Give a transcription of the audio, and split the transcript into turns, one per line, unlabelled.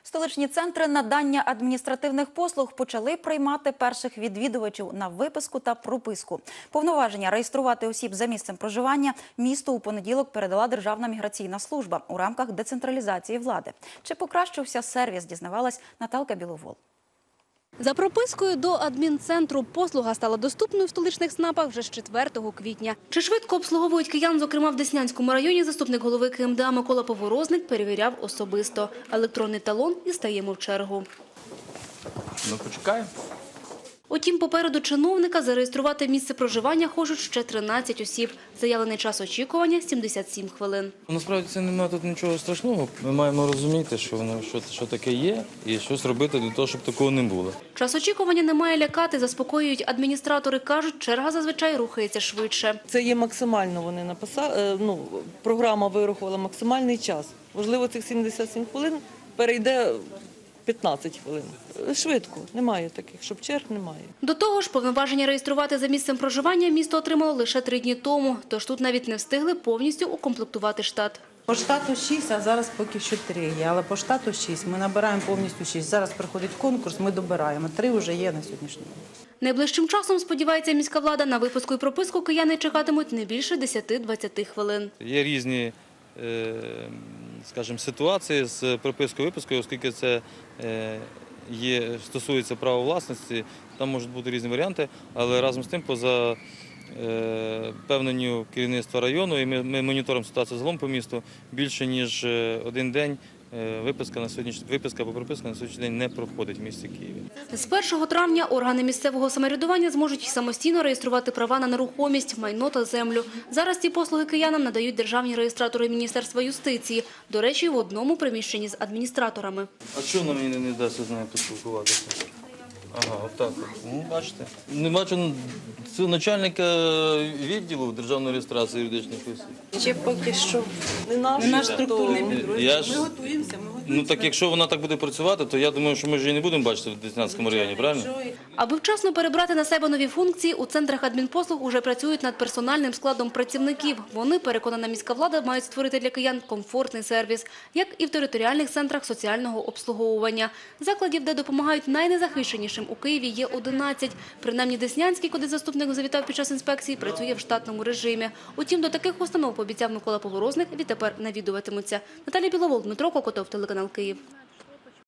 Столичні центри надання адміністративних послуг почали приймати перших відвідувачів на виписку та прописку. Повноваження реєструвати осіб за місцем проживання місту у понеділок передала Державна міграційна служба у рамках децентралізації влади. Чи покращився сервіс, дізнавалась Наталка Біловол.
За пропискою до адмінцентру послуга стала доступною в столичних ЦНАПах вже з 4 квітня. Чи швидко обслуговують киян, зокрема в Деснянському районі, заступник голови КМДА Микола Поворозник перевіряв особисто. Електронний талон і стаємо в чергу.
Ну, почекаємо.
Утім, попереду чиновника зареєструвати місце проживання хочуть ще 13 осіб. Заявлений час очікування – 77 хвилин.
Насправді це немає тут нічого страшного. Ми маємо розуміти, що таке є, і щось робити для того, щоб такого не було.
Час очікування не має лякати, заспокоюють адміністратори. Кажуть, черга зазвичай рухається швидше.
Це є максимально, вони написали, програма вирахувала максимальний час. Можливо, цих 77 хвилин перейде 15 хвилин. Швидко, немає таких, щоб черг немає.
До того ж, повноваження реєструвати за місцем проживання місто отримало лише 3 дні тому. Тож тут навіть не встигли повністю укомплектувати штат.
По штату 6, а зараз поки що 3 є. Але по штату 6. Ми набираємо повністю 6. Зараз приходить конкурс, ми добираємо. 3 вже є на сьогоднішній день.
Найближчим часом, сподівається міська влада, на виписку і прописку кияни чекатимуть не більше 10-20 хвилин.
Є різні, скажімо, ситуації з пропискою-випискою, оскільки це стосується права власності, там можуть бути різні варіанти, але разом з тим, поза певненню керівництва району, і ми моніторимо ситуацію загалом по місту, більше ніж один день виписка або прописка на сьогоднішній день не проходить в місті Києві.
З 1 травня органи місцевого самоврядування зможуть самостійно реєструвати права на нерухомість, майно та землю. Зараз ці послуги киянам надають державні реєстратори Міністерства юстиції. До речі, в одному приміщенні з адміністраторами.
А чого нам не дасть з нею поспілкуватися? Ага, отак. Ну, бачите. Не бачу начальника відділу державної реєстрації юридичних осіб.
Ще поки що не
наш структурний підрозділ.
Ми готуємося. Ну так якщо вона так буде працювати, то я думаю, що ми ж її не будемо бачити в Деснянському районі, правильно?
Аби вчасно перебрати на себе нові функції, у центрах адмінпослуг уже працюють над персональним складом працівників. Вони, переконана міська влада, мають створити для киян комфортний сервіс, як і в територіальних центрах соціального обслуговування. Закладів, де допомагають найнезахищенішим у Києві, є 11. Принаймні Деснянський, куди заступник завітав під час інспекції, працює в штатному режимі. Утім, до таких установ, пообіцяв Микола Поворозник, відтепер навідуватимуться. Наталія Біловол, Дмитро Кокотов, телеканал Київ.